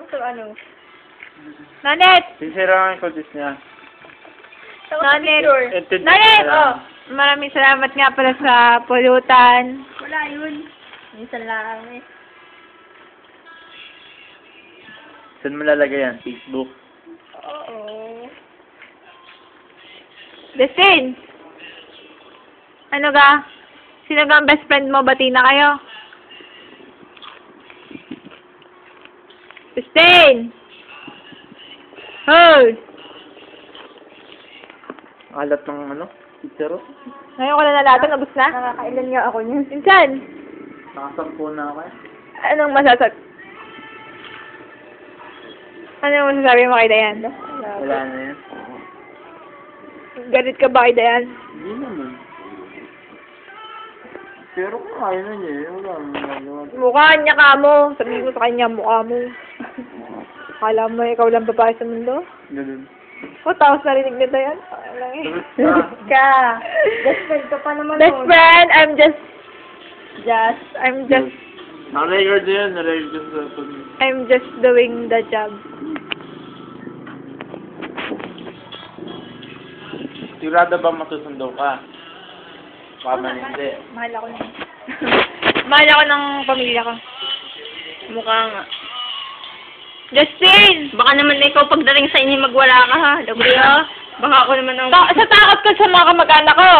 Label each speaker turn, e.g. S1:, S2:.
S1: sa ano?
S2: Nanet!
S3: Sisira ang kultis niya.
S2: Nanet!
S3: Entered
S2: Nanet!
S3: na lang.
S2: Maraming salamat nga pala sa pulutan.
S1: Wala yun. Minsan lang eh.
S3: Saan mo lalagay yan? Facebook?
S1: Oo.
S2: Destin! Ano ga? Sino ga ang best friend mo? Bati na kayo. Destin! Hoy!
S3: Alat ng ano? Chicharo?
S2: Ngayon ko na nalatan. Nabos na?
S1: Nakakailan nga ako niyan.
S2: Minsan,
S3: Nakasampu na ako eh.
S2: anong masasag? Anong masasabi mo kay Dayan?
S3: Wala na yan.
S2: Galit ka ba kay Dayan?
S3: Hindi naman. Pero kaya na niya eh. Wala naman nagawa.
S2: Mukha niya ka mo. Sabihin mo sa kanya, mukha mo. Akala mo ikaw lang babae sa mundo?
S3: Ganun.
S2: O, tapos narinig na Dayan? Ay, lang eh.
S1: Ka. Best friend ka pa naman
S2: Best
S1: nun.
S2: friend, I'm just,
S3: Naka-record yan. Naka-record sa pag...
S2: I'm just doing the job.
S3: Sigurado ba masusundo ka? Baka man hindi.
S1: Mahal ako niyan.
S2: Mahal ako ng pamilya ko.
S1: Mukha nga.
S2: Justin!
S1: Baka naman ikaw pagdating sa inyo magwala ka ha. Dagoy ha. Baka ako naman ang...
S2: Sa takot ka sa mga kamag-anak ko.